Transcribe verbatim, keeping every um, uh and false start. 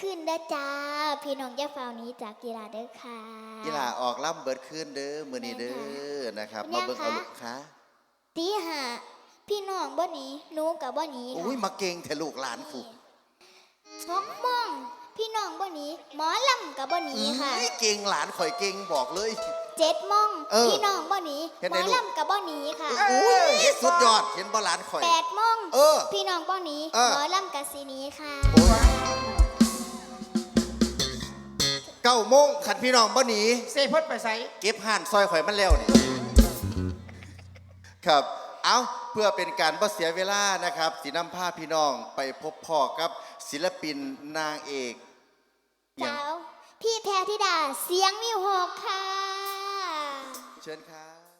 ขึ้นเด้อจ้าพี่น้องอย่าเฝ้านี้จากกีฬาเด้อค่ะกีฬาออกล่ำเบิดขึ้นเด้อมื้อนี้เด้อนะครับมาเบิ่งเอาลูกค้าตีห้าพี่น้องบ่หนีหนูกับบ่หนีค่ะอุ้ยมาเก่งแท้ลูกหลานกูสองโมงพี่น้องบ่หนีหมอลำกับบ่หนีค่ะเก่งหลานข่อยเก่งบอกเลยเจ็ดโมงพี่น้องบ่หนีหมอลำกับบ่หนีค่ะอุ้ยสุดยอดเห็นบ่หลานข่อยแปดโมงพี่น้องบ่หนีหมอลำกับสีนี้ค่ะเก้าโมงขันพี่น้องบ่หนีเซพดไปใส่เก็บห่านซอยข่อยมันแล้วนี่ครับเอาเพื่อเป็นการบ่เสียเวลานะครับสีน้ำผ้าพี่น้องไปพบพ่อกับศิลปินนางเอกเจ้าพี่แพรธิดาเสียงมิวหกค่ะเชิญครับ